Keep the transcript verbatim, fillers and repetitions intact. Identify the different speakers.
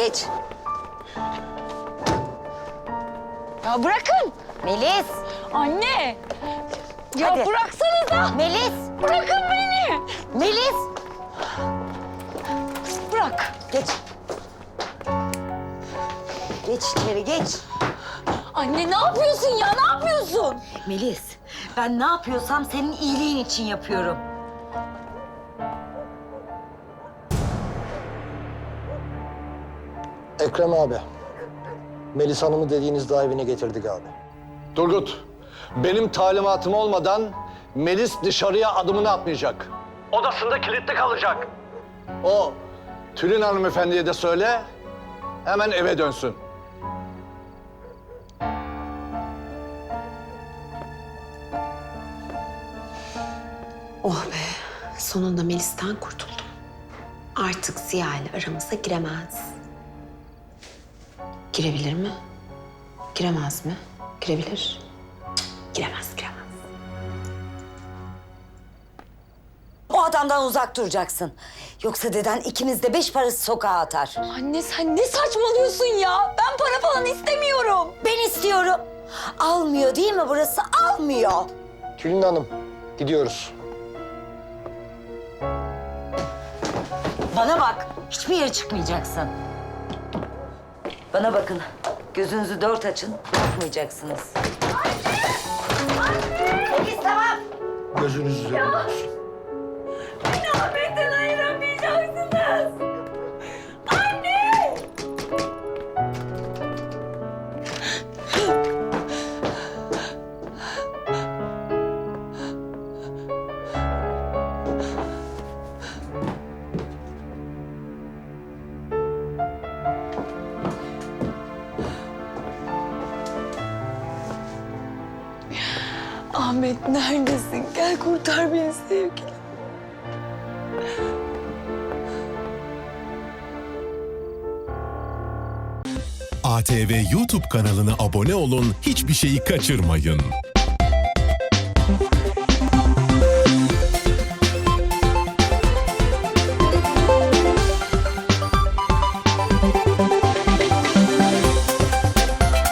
Speaker 1: Geç.
Speaker 2: Ya bırakın.
Speaker 1: Melis.
Speaker 2: Anne. Ya
Speaker 1: Hadi.
Speaker 2: bıraksanıza.
Speaker 1: Melis.
Speaker 2: Bırakın beni.
Speaker 1: Melis.
Speaker 2: Bırak.
Speaker 1: Geç. Geç içeri geç.
Speaker 2: Anne ne yapıyorsun ya? Ne yapıyorsun?
Speaker 1: Melis, ben ne yapıyorsam senin iyiliğin için yapıyorum.
Speaker 3: Ekrem abi. Melis Hanım'ı dediğiniz daha evine getirdik abi.
Speaker 4: Turgut, benim talimatım olmadan Melis dışarıya adımını atmayacak. Odasında kilitli kalacak. O Tülin hanımefendiye de söyle, hemen eve dönsün.
Speaker 5: Oh be, sonunda Melis'ten kurtuldum. Artık Ziya ile aramıza giremez. Girebilir mi? Giremez mi? Girebilir. Cık, giremez, giremez.
Speaker 1: O adamdan uzak duracaksın. Yoksa deden ikimiz de beş parası sokağa atar.
Speaker 2: Anne sen ne saçmalıyorsun ya? Ben para falan istemiyorum.
Speaker 1: Ben istiyorum. Almıyor değil mi burası? Almıyor.
Speaker 3: Tülin Hanım, gidiyoruz.
Speaker 1: Bana bak, hiçbir yere çıkmayacaksın. Bana bakın, gözünüzü dört açın, bırakmayacaksınız. Anne! Anne! Melis tamam.
Speaker 3: Gözünüz üzerinde olsun.
Speaker 2: Beni Ahmet'ten ayıramayacaksınız. Anne! Ahmet neredesin? Gel kurtar beni sevgilim.
Speaker 6: A T V YouTube kanalına abone olun, hiçbir şeyi kaçırmayın.